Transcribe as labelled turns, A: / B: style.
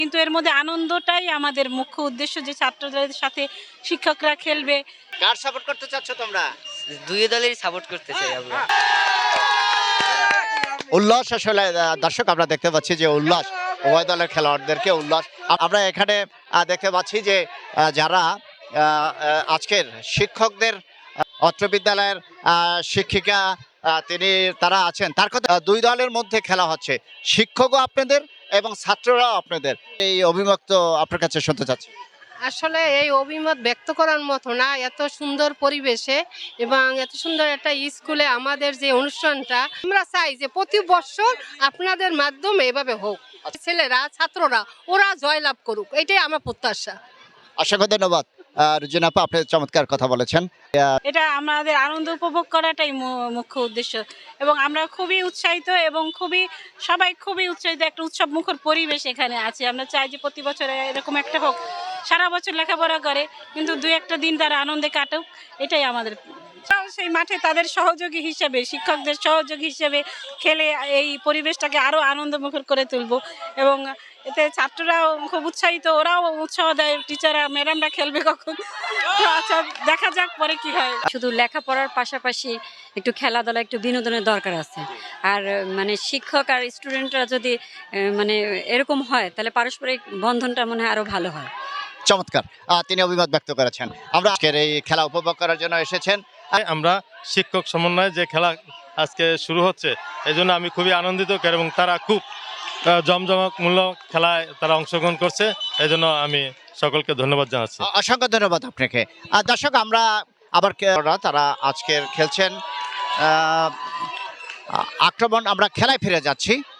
A: কিন্তু এর মধ্যে আনন্দটাই আমাদের মুখ্য উদ্দেশ্য, যে ছাত্রদের সাথে শিক্ষকরা খেলবে।
B: কার সাপোর্ট করতে চাচ্ছ তোমরা?
C: দুই দলেরই সাপোর্ট করতে চাই আমরা।
B: উল্লাস আসলে দর্শক আমরা দেখতে পাচ্ছি যে উল্লাস, উভয় দলের খেলোয়াড়দেরকে উল্লাস। আমরা এখানে দেখতে পাচ্ছি যে যারা আজকের শিক্ষকদের অত্র বিদ্যালয়ের শিক্ষিকা তারা আছেন, তার কথা দুই দলের মধ্যে খেলা হচ্ছে, শিক্ষকও আপনাদের এবং ছাত্ররাও আপনাদের। এই অভিমত আপনার কাছে শুনতে চাচ্ছি।
D: আসলে এই অভিমত ব্যক্ত করার মতো না, এত সুন্দর পরিবেশে এবং এত সুন্দর একটা স্কুলে আমাদের যে অনুষ্ঠানটা, আমরা চাই যে প্রতি বছর আপনাদের মাধ্যমে এভাবে হোক, ছেলেরা ছাত্ররা ওরা জয়লাভ করুক, এটাই আমার প্রত্যাশা।
B: অসংখ্য ধন্যবাদ রুজিনা আপা, আপনি চমৎকার কথা বলেছেন।
A: এটা আমাদের আনন্দ উপভোগ করাটাই মুখ্য উদ্দেশ্য, এবং আমরা খুবই উৎসাহিত এবং সবাই খুবই উৎসাহিত। একটা উৎসব মুখর পরিবেশ এখানে আছে। আমরা চাই যে প্রতি বছর এরকম একটা হোক। সারা বছর লেখাপড়া করে কিন্তু দুই একটা দিন তারা আনন্দে কাটুক, এটাই আমাদের। সেই মাঠে তাদের সহযোগী হিসেবে, শিক্ষকদের সহযোগী হিসেবে খেলে এই পরিবেশটাকে আরো আনন্দমুখর করে তুলব, এবং এতে ছাত্ররাও খুব উৎসাহিত, ওরাও উৎসাহ দেয়, টিচাররা ম্যাডামরা খেলবে কখন। আচ্ছা, দেখা যাক পরে কি হয়।
E: শুধু লেখাপড়ার পাশাপাশি একটু খেলাধুলা, একটু বিনোদনের দরকার আছে। আর মানে শিক্ষক আর স্টুডেন্টরা যদি মানে এরকম হয়, তাহলে পারস্পরিক বন্ধনটা মনে হয় আরো ভালো হয়।
B: চমৎকার তিনি অভিমত ব্যক্ত করেছেন। আমরা আজকের এই খেলা উপভোগ করার জন্য এসেছেন।
F: আমরা শিক্ষক সমন্বয়ে যে খেলা আজকে শুরু হচ্ছে, এই জন্য আমি খুবই আনন্দিত, এবং তারা খুব জমজমাটমূলক খেলায় তারা অংশগ্রহণ করছে, এই জন্য আমি সকলকে ধন্যবাদ জানাচ্ছি।
B: অসংখ্য ধন্যবাদ আপনাকে। দর্শক আমরা আবার তারা আজকের খেলছেন আক্রমণ। আমরা খেলায় ফিরে যাচ্ছি।